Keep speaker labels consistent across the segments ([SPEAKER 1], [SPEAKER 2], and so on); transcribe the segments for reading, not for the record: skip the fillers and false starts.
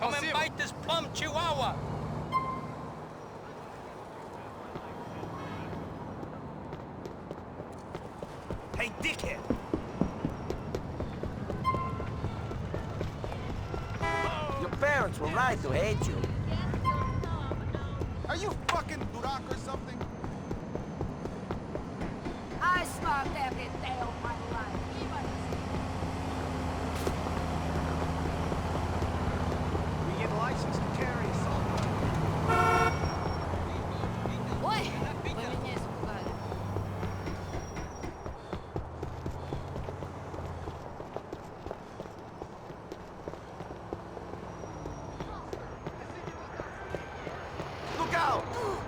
[SPEAKER 1] Come and bite this plum chihuahua.
[SPEAKER 2] Hey, dickhead!
[SPEAKER 3] Your parents were right to hate you.
[SPEAKER 4] Are you fucking Burak or something?
[SPEAKER 5] I smoked every day of my life.
[SPEAKER 2] We get license to carry assault.
[SPEAKER 5] Ой, поменяй испугали.
[SPEAKER 3] Look out!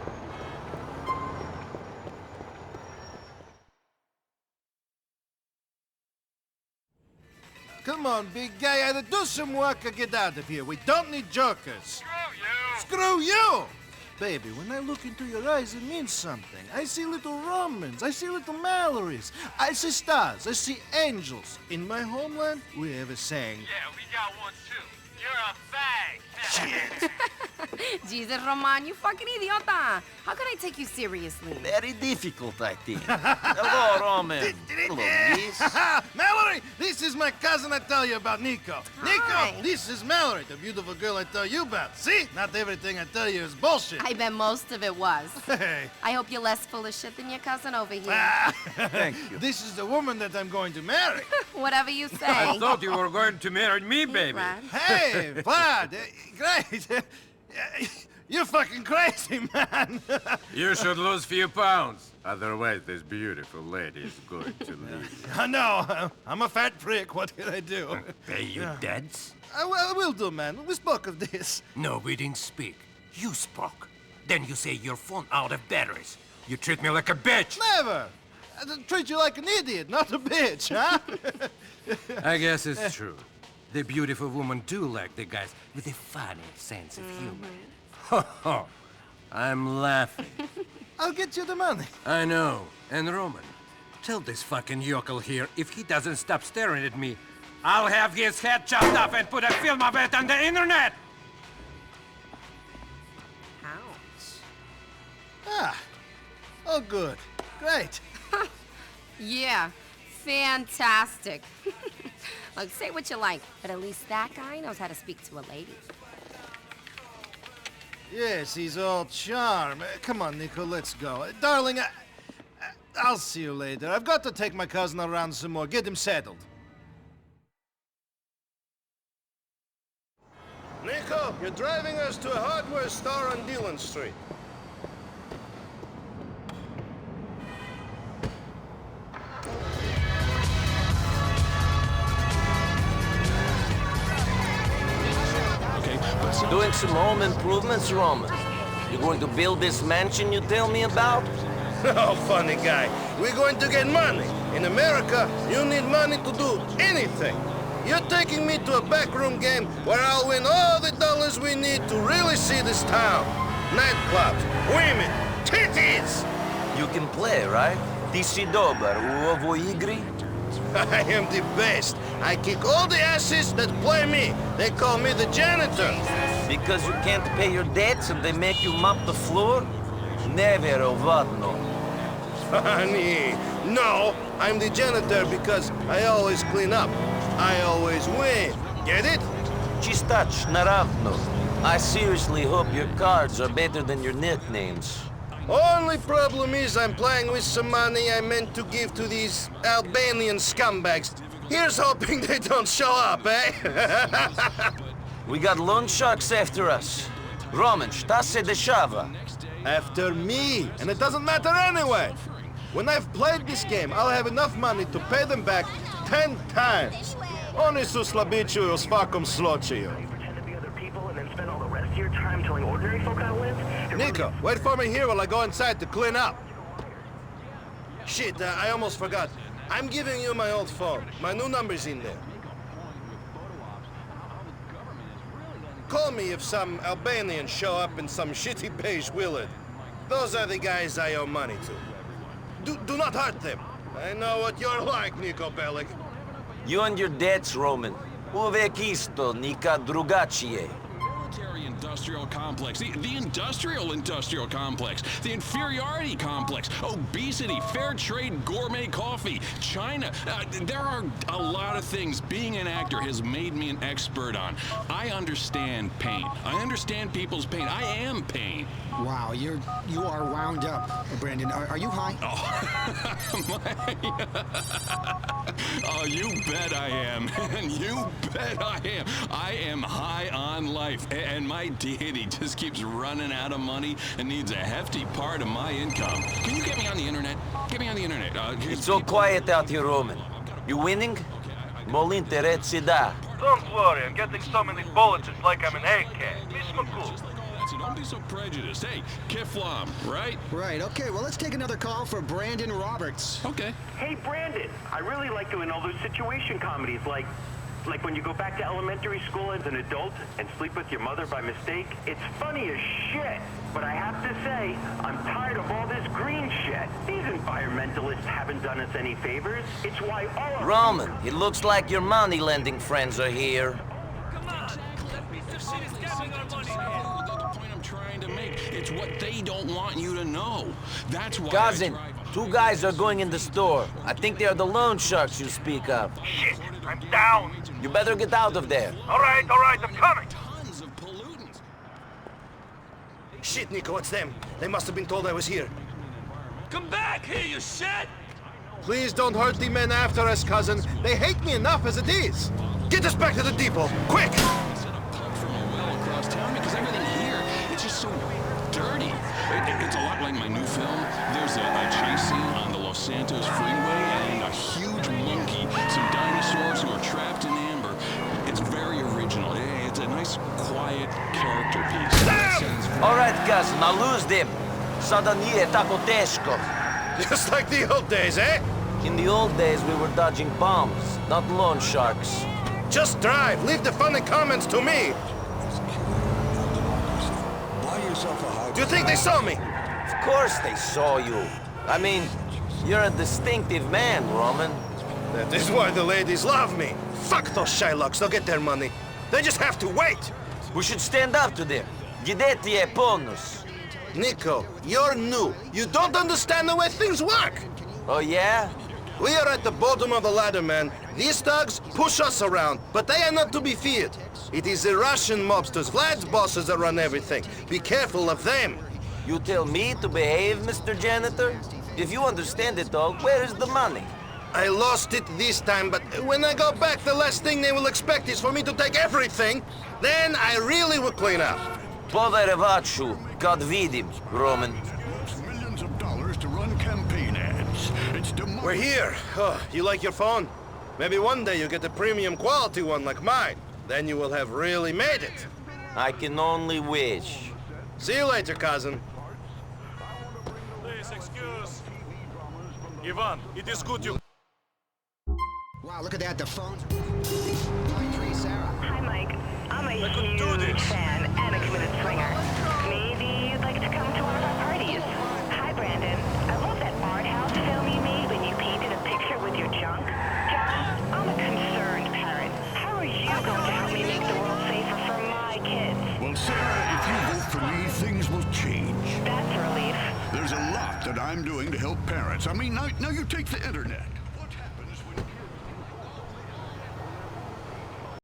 [SPEAKER 6] Come on, big guy, either do some work or get out of here. We don't need jokers. Screw you! Baby, when I look into your eyes, it means something. I see little Romans, I see little Mallorys, I see stars, I see angels. In my homeland, we have a saying.
[SPEAKER 1] Yeah, we got one too. You're a fag.
[SPEAKER 6] Shit.
[SPEAKER 7] Jesus, Roman, you fucking idiota! How can I take you seriously?
[SPEAKER 3] Very difficult, I think. Hello, Roman. Hello, Liz.
[SPEAKER 6] Mallory, this is my cousin I tell you about, Nico.
[SPEAKER 7] Hi.
[SPEAKER 6] Nico, this is Mallory, the beautiful girl I tell you about. See? Not everything I tell you is bullshit.
[SPEAKER 7] I bet most of it was.
[SPEAKER 6] Hey.
[SPEAKER 7] I hope you're less full of shit than your cousin over here.
[SPEAKER 6] Thank you. This is the woman that I'm going to marry.
[SPEAKER 7] Whatever you say.
[SPEAKER 1] I thought you were going to marry me, baby.
[SPEAKER 7] Brad.
[SPEAKER 6] Hey, Vlad, great. You're fucking crazy, man.
[SPEAKER 8] You should lose few pounds. Otherwise, this beautiful lady is going to leave.
[SPEAKER 6] I know. I'm a fat prick. What can I do?
[SPEAKER 9] Pay you debts?
[SPEAKER 6] I will do, man. We spoke of this.
[SPEAKER 9] No, we didn't speak. You spoke. Then you say your phone out of batteries. You treat me like a bitch.
[SPEAKER 6] Never. I treat you like an idiot, not a bitch, huh?
[SPEAKER 9] I guess it's true. The beautiful woman do like the guys with a funny sense of humor. Ho ho! I'm laughing.
[SPEAKER 6] I'll get you the money.
[SPEAKER 9] I know. And Roman, tell this fucking yokel here if he doesn't stop staring at me, I'll have his head chopped off and put a film of it on the internet!
[SPEAKER 7] Ouch.
[SPEAKER 6] Ah. Oh, good. Great.
[SPEAKER 7] Yeah, fantastic. Look, say what you like, but at least that guy knows how to speak to a lady.
[SPEAKER 6] Yes, he's all charm. Come on, Nico, let's go. Darling, I'll see you later. I've got to take my cousin around some more. Get him settled. Nico, you're driving us to a hardware store on Dillon Street.
[SPEAKER 3] Doing some home improvements, Roman. You going to build this mansion you tell me about?
[SPEAKER 6] Oh, funny guy. We're going to get money. In America, you need money to do anything. You're taking me to a backroom game where I'll win all the dollars we need to really see this town. Nightclubs, women, titties!
[SPEAKER 3] You can play, right? Ti si dobar u ovoj igri?
[SPEAKER 6] I am the best. I kick all the asses that play me. They call me the janitor.
[SPEAKER 3] Because you can't pay your debts and they make you mop the floor? Never vadno.
[SPEAKER 6] Funny. No, I'm the janitor because I always clean up. I always win. Get it?
[SPEAKER 3] Chistach naravno. I seriously hope your cards are better than your nicknames.
[SPEAKER 6] Only problem is I'm playing with some money I meant to give to these Albanian scumbags. Here's hoping they don't show up, eh?
[SPEAKER 3] We got loan sharks after us. Roman, šta se dešava?
[SPEAKER 6] After me, and it doesn't matter anyway. When I've played this game, I'll have enough money to pay them back 10 times. Oni su slabići u svakom slučaju. Nico, wait for me here while I go inside to clean up. Shit, I almost forgot. I'm giving you my old phone. My new number's in there. Call me if some Albanians show up in some shitty beige Willard. Those are the guys I owe money to. Do not hurt them. I know what you're like, Nico Bellic.
[SPEAKER 3] You and your debts, Roman. Uvek isto, nikad drugačije.
[SPEAKER 10] industrial complex, the industrial complex, the inferiority complex, obesity, fair trade, gourmet coffee, China. There are a lot of things being an actor has made me an expert on. I understand pain. I understand people's pain. I am pain.
[SPEAKER 11] Wow, you are wound up, Brandon. Are you high?
[SPEAKER 10] Oh, you bet I am. And you bet I am. I am high on life. And my deity just keeps running out of money and needs a hefty part of my income. Can you get me on the internet? Get me on the internet.
[SPEAKER 3] It's so quiet out here, Roman. You winning? Mol'interezzi da.
[SPEAKER 2] Don't worry, I'm getting so many bullets, it's like I'm an AK. Miss McCool.
[SPEAKER 10] So don't be so prejudiced. Hey, Kiflam, right?
[SPEAKER 11] Right, okay, well, let's take another call for Brandon Roberts.
[SPEAKER 10] Okay.
[SPEAKER 12] Hey, Brandon, I really like doing all those situation comedies, like when you go back to elementary school as an adult and sleep with your mother by mistake. It's funny as shit. But I have to say, I'm tired of all this green shit. These environmentalists haven't done us any favors. It's why all of
[SPEAKER 3] Roman, it looks like your money-lending friends are here.
[SPEAKER 10] It's what they don't want you to know. That's why
[SPEAKER 3] Cousin, two guys are going in the store. I think they are the loan sharks you speak of.
[SPEAKER 2] Shit, I'm down.
[SPEAKER 3] You better get out of there.
[SPEAKER 2] All right, I'm coming.
[SPEAKER 10] Tons of pollutants.
[SPEAKER 2] Shit, Nico, it's them. They must have been told I was here.
[SPEAKER 1] Come back here, you shit!
[SPEAKER 6] Please don't hurt the men after us, cousin. They hate me enough as it is.
[SPEAKER 2] Get us back to the depot, quick!
[SPEAKER 10] Set a pump from a well across town because everything here, it's just so dirty. It's a lot like my new film. There's a chase scene on the Los Santos freeway and a huge monkey, some dinosaurs who are trapped in amber. It's very original. It's a nice, quiet character piece.
[SPEAKER 3] All right, cousin, I'll lose them. Sada nije tako teško.
[SPEAKER 6] Just like the old days, eh?
[SPEAKER 3] In the old days, we were dodging bombs, not loan sharks.
[SPEAKER 6] Just drive. Leave the funny comments to me. Do you think they saw me?
[SPEAKER 3] Of course they saw you. I mean, you're a distinctive man, Roman.
[SPEAKER 6] That is why the ladies love me. Fuck those Shylocks. They'll get their money. They just have to wait.
[SPEAKER 3] We should stand up to them. Gideti e ponus.
[SPEAKER 6] Nico, you're new. You don't understand the way things work.
[SPEAKER 3] Oh, yeah?
[SPEAKER 6] We are at the bottom of the ladder, man. These thugs push us around, but they are not to be feared. It is the Russian mobsters, Vlad's bosses that run everything. Be careful of them.
[SPEAKER 3] You tell me to behave, Mr. Janitor? If you understand it all, where is the money?
[SPEAKER 6] I lost it this time, but when I go back, the last thing they will expect is for me to take everything. Then I really will clean up.
[SPEAKER 3] Povere vachu, God vidim, Roman.
[SPEAKER 10] Millions of dollars to run campaign ads. It's
[SPEAKER 6] We're here. Oh, you like your phone? Maybe one day you get a premium quality one like mine. Then you will have really made it.
[SPEAKER 3] I can only wish.
[SPEAKER 6] See you later, cousin.
[SPEAKER 2] Please excuse. Ivan, it is good you...
[SPEAKER 11] Wow, look at that, the phone. Line 3, Sarah.
[SPEAKER 12] Hi, Mike. I'm a huge fan and a committed swinger. Maybe you'd like to come to one of our parties. Hi, Brandon. I love that art house film you made when you painted a picture with your junk. John, I'm a concerned parent. How are you going to help me make the world safer for my kids?
[SPEAKER 10] Well, Sarah, if you vote for me, things will change.
[SPEAKER 12] That's a relief.
[SPEAKER 10] There's a lot that I'm doing to help parents. I mean, now you take the internet.